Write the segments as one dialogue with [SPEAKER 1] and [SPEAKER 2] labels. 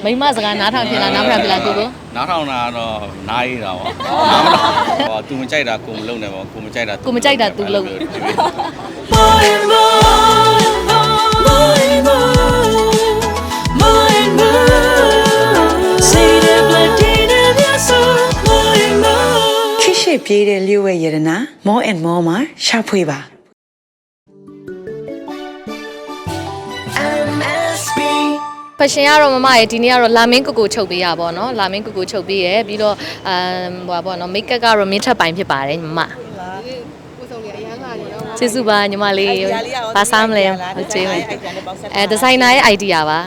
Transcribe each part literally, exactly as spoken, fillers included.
[SPEAKER 1] မိမစကားနားထောင်ဖြစ်လားနားမထောင်ဖြစ်လားကိုကို
[SPEAKER 2] နားထောင်တာတော့နားရတာပေါ့နားမထောင်ဟော तू မကြိုက်တာကိုမလုပ်နဲ့ပေါ့ကိုမကြိုက်တာ
[SPEAKER 1] ကိုမကြိုက်တာ तू လုပ်
[SPEAKER 3] ခိရှိပြေးတဲ့လျှို့ဝဲရတနာ more and more မှာရှာဖွေပါ
[SPEAKER 1] ဖက်ရှင်ကတော့မမရဲ့ဒီနေ့ကတော့လာမင်းကိုကိုချုပ်ပေးရပါတော့လာမင်းကိုကိုချုပ်ပေးရပြီးတော့အမ်ဟိုပါပေါ့နော်မိတ်ကပ်ကတော့မင်းထပ်ပိုင်းဖြစ်ပါတယ်ညီမကျေးဇူးပါညီမလေးဘာစားမလဲဟုတ်ကျေးမယ်အဲဒီဇိုင်နာရဲ့ idea ပါ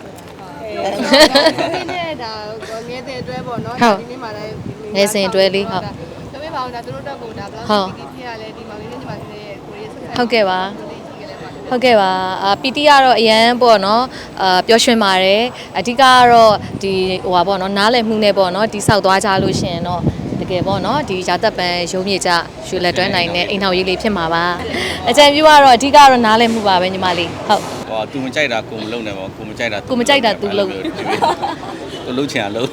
[SPEAKER 4] ဒီနေ့ဒါငယ်စဉ်အတွဲပေါ့နော်ဒီနေ့မှလည်း
[SPEAKER 1] ငယ်စဉ်အတွဲလေးဟုတ်
[SPEAKER 4] ပြောပြပါအောင်ဒါသူတို့တက်ကိုဒါဘယ်လောက်ဒီဖြစ်ရလဲဒီမောင်လေးနဲ့ညီမလေးရဲ့ကိုရီးယားဆက်
[SPEAKER 1] ဟုတ်ကဲ့ပါဟုတ်ကဲ့ပါအာပီတီကတော့အရန်ပေါ့နော်အာပျော်ရွှင်ပါတယ်အဓိကကတော့ဒီဟိုပါပေါ့နော်နားလည်မှုနဲ့ပေါ့နော်ဒီဆောက်သွားကြလို့ရှင်တော့တကယ်ပေါ့နော်ဒီရာသက်ပန်ရုံးမြေကြရွှေလက်တွဲနိုင်တဲ့အိမ်ထောင်ရေးလေးဖြစ်မှာပါအကြံပြုကတော့အဓိကတော့နားလည်မှုပါပဲညီမလေးဟုတ်
[SPEAKER 2] ဟော तू မကြိုက်တာကိုမလုပ်နဲ့ပေါ့ကိုမကြိုက်တာ
[SPEAKER 1] ကိုမကြိုက်တာ तू လုပ်
[SPEAKER 2] तू လုပ်ချင်အောင်လုပ်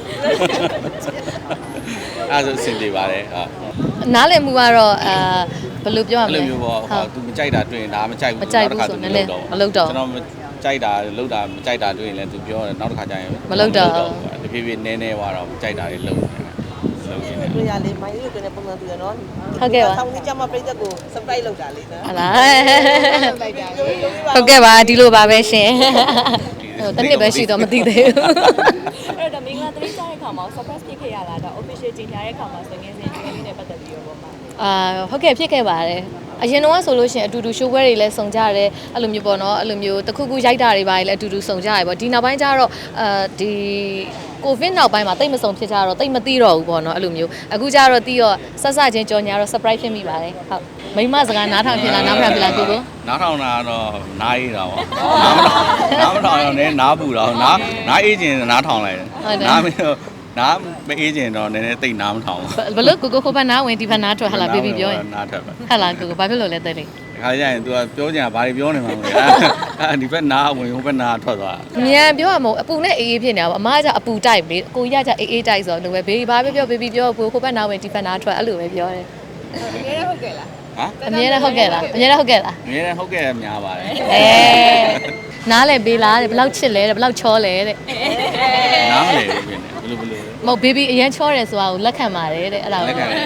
[SPEAKER 2] အဲ့ဒါဆိုအဆင်ပြေပါတယ်ဟုတ်
[SPEAKER 1] နားလည်မှုကတော့အာဘယ်လိုပြောရမလဲ
[SPEAKER 2] အဲ့လိုမျိုးပေါ့ဟော तू မကြိုက်တာတွေ့ရင်ဒါမကြိုက်ဘူး
[SPEAKER 1] နောက်တစ်ခါ तू မလုပ်တော့မလုပ်တော့
[SPEAKER 2] ကျွန်တော်ကြိုက်တာလုပ်တာမကြိုက်တာတွေ့ရင်လည်း तू ပြောတယ်နောက်တစ်ခါကျရင်
[SPEAKER 1] မလုပ်တော့
[SPEAKER 2] တဖြည်းဖြည်းနည်းနည်းသွားတော့ကြိုက်တာတွေလုပ်လုပ်နေ
[SPEAKER 5] တယ်တွေ့ရလေမိုင်းလေးတွေ့တဲ့ပုံစံတူရနော်
[SPEAKER 1] ဟုတ်ကဲ့ပါ
[SPEAKER 5] ဆောင်းနေကြမှာပြိတ္တကို surprise လုပ်တာလေနော်
[SPEAKER 1] ဟုတ်လားဟုတ်ကဲ့ပါဒီလိုပါပဲရှင်ဟိုတနည်းပဲရှိတော့မသိသေးဘူး
[SPEAKER 4] အဲ့တော့မင်္ဂလာသတိကျတဲ့ခါမှာ surprise ဖြစ်ခဲ့ရလားဒါ official ကြေညာတဲ့ခါမှာဆိုငယ်စဉ်ကျွေးလေးနဲ့ပတ်သက်ပြီးတော့ပေါ့မှာ
[SPEAKER 1] အာဟုတ်ကဲ့ဖြစ်ခဲ့ပါတယ်အရင်တော့ဆိုလို့ရှိရင်အတူတူ show ပွဲတွေလည်းစုံကြတယ်အဲ့လိုမျိုးပေါ့နော်အဲ့လိုမျိုးတစ်ခုခုရိုက်တာတွေပါလည်းအတူတူစုံကြရပေါ့ဒီနောက်ပိုင်းကျတော့အာဒီကိုဗစ်နောက်ပိုင်းမှာတိတ်မစုံဖြစ်ကြတော့တိတ်မသိတော့ဘူးပေါ့နော်အဲ့လိုမျိုးအခုကျတော့တီးတော့ဆက်ဆက်ချင်းကြော်ညာတော့ surprise ဖြစ်မိပါတယ်ဟုတ်မိမစကားနားထောင်ဖြစ်လားနားမထောင်ဖြစ်လားကိုကို
[SPEAKER 2] နားထောင်တာတော့နားရတာပေါ့နားမထောင်နားမထောင်ရောလည်းနားပူတော့နားနားအေးချင်နားထောင်လိုက်တယ်နားမနားမအေးချင်တော့နည်းနည်းတိတ်နားမထောင်
[SPEAKER 1] ဘလို့ကိုကိုခိုးပတ်နားဝင်ဒီဘက်နားထွက်ဟလာဘေဘီပြောရင်
[SPEAKER 2] နားထွက်ပဲ
[SPEAKER 1] ဟလာကိုကိုဘာဖြစ်လို့လဲတဲ့လေ
[SPEAKER 2] ခါကျရင် तू ကပြောကြတာဘာတွေပြောနေမှာမလဲအဲ့ဒီဘက်နားဝင်ဟိုဘက်နားထွက်သွား
[SPEAKER 1] မြန်ပြောရမို့အပူနဲ့အေးအေးဖြစ်နေတာပေါ့အမကအပူတိုက်လေအကိုကြီးကကြအေးအေးတိုက်ဆိုတော့ဘေဘီဘာပဲပြောဘေဘီပြောဟိုဘက်နားဝင်ဒီဘက်နားထွက်အဲ့လိုပဲပြောတယ်
[SPEAKER 4] အမြဲတမ်းဟုတ်ကဲ့လား
[SPEAKER 2] ဟမ်
[SPEAKER 1] အမြဲတမ်းဟုတ်ကဲ့လားအမြဲတမ်းဟုတ်ကဲ့လား
[SPEAKER 2] အမြဲတမ်းဟုတ်ကဲ့များပါတယ်
[SPEAKER 1] အဲနားလဲပေးလားတဲ့ဘယ်လောက်ချစ်လဲတဲ့ဘယ်လောက်ချောလဲတဲ့
[SPEAKER 2] နားမလဲဘူးဖြစ်နေဘယ်လိုဘယ်လို
[SPEAKER 1] မဟုတ်ဘေဘီအရန်ချောတယ်ဆိုတာကိုလက်ခံပါတယ်တဲ့အဲ့ဒါ
[SPEAKER 2] လက်ခံတယ်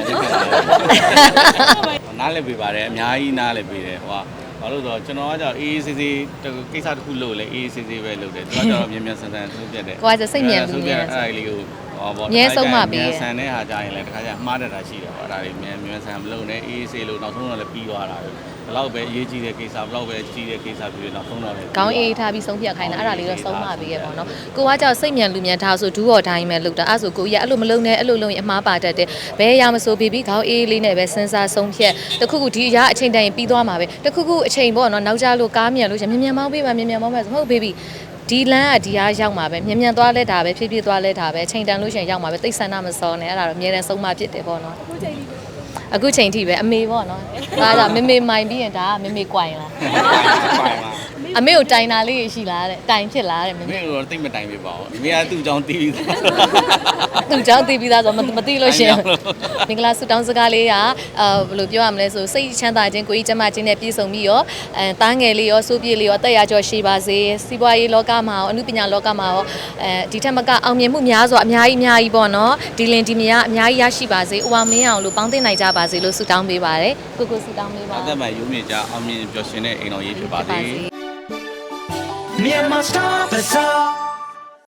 [SPEAKER 2] နားလဲပေးပါတယ်အများကြီးနားလဲပေးတယ်ဟိုကဘာလို့ဆိုတော့ကျွန်တော်ကကြောက်အေးအေးဆေးဆေးကိစ္စတစ်ခုလုပ်လဲအေးအေးဆေးဆေးပဲလုပ်တယ်သူကကြောက်မြန်မြန်ဆန်ဆန်ဆုံးပြတ်တယ်
[SPEAKER 1] ကိုကစိတ်မြန်လူမြန်
[SPEAKER 2] အဲ့ဒါလေးကိုဟောပေါ့
[SPEAKER 1] မြဲဆုံးမှပေး
[SPEAKER 2] ဆန်တဲ့ဟာကြရင်လည်းတခါကျမှားတတ်တာရှိတယ်ပေါ့အဲ့ဒါတွေမြန်မြန်ဆန်မလုပ်နဲ့အေးအေးဆေးလို့နောက်ဆုံးတော့လည်းပြီးသွားတာပဲဘလောက်ပဲအရေးကြီးတဲ့ကိစ္စဘလောက်ပဲကြီးတဲ့ကိစ္စပြီးတော့နောက်ဆုံးတော့လည်း
[SPEAKER 1] ခေါင်းအေးထားပြီးဆုံးဖြတ်ခိုင်းတာအဲ့ဒါလေးတော့ဆုံးမပေးရပေါ့နော်ကိုကကြောက်စိတ်မြန်လူမြန်ထားဆိုဒူးတော်တိုင်းပဲလုပ်တာအဲ့ဆိုကိုကြီးကအဲ့လိုမလုပ်နဲ့အဲ့လိုလုပ်ရင်အမှားပါတတ်တယ်ဘယ်ရမဆိုဘေဘီခေါင်းအေးလေးနဲ့ပဲစဉ်းစားဆုံးဖြတ်တခုခုဒီအရာအချိန်တိုင်းပြီးသွားမှာပဲတခုခုအချိန်ပေါ့နော်နောက်ကြလို့ကားမြန်လို့ရှင်မြန်မြန်မောင်းပေးပါမြန်မြန်မောင်းပါဆိုဟုတ်ဘေဘီဒီလမ်းကဒီအားရောက်မှာပဲမြန်မြန်သွားလဲတာပဲဖြည်းဖြည်းသွားလဲတာပဲအချိန်တန်လို့ရှင်ရောက်မှာပဲတိတ်ဆန္ဒမစောနဲ့အဲ့ဒါတော့အမြဲတမ်းဆုံးမဖြစ်တယ်ပေါ့နော်အခုချိန်ထိပဲအမေပေါ့နော်ဒါကြောင့်မေမေမိုင်ပြီးရင်ဒါကမေမေကွိုင်လားအမေကိုတိုင်တာလေးရှိလားတဲ့တိုင်ဖြစ်လားတဲ့
[SPEAKER 2] မေမေကတော့တိတ်မတိုင်ပြပါဘူးမေကသူ့ကြောင့်တီးပြီး
[SPEAKER 1] သူ့ကြောင့်တီးပြီးသားဆိုမသိလို့ရှင်မင်္ဂလာဆုတောင်းစကားလေးကအာဘယ်လိုပြောရမလဲဆိုစိတ်ချမ်းသာခြင်းကိုယ်ကြီးကျန်းမာခြင်းနဲ့ပြည့်စုံပြီးရောအဲတားငယ်လေးရောစိုးပြေးလေးရောတက်ရကြောရှိပါစေစီးပွားရေးလောကမှာရောအမှုပညာလောကမှာရောအဲဒီထက်မကအောင်မြင်မှုများစွာအများကြီးအများကြီးပေါ့နော်ဒီလင်ဒီမယားအများကြီးရရှိပါစေဥပမင်းအောင်လို့ပေါင်းသိနိုင်ကြပါစေလို့ဆုတောင်းပေးပါတယ်ကိုကိုဆုတောင်းပေးပါ
[SPEAKER 2] အသက်မှရုံးမြင့်ကြအောင်မြင်ပျော်ရွှင်တဲ့အိမ်တော်ရေးဖြစ်ပါစေ
[SPEAKER 3] Myanmar Star Bazaar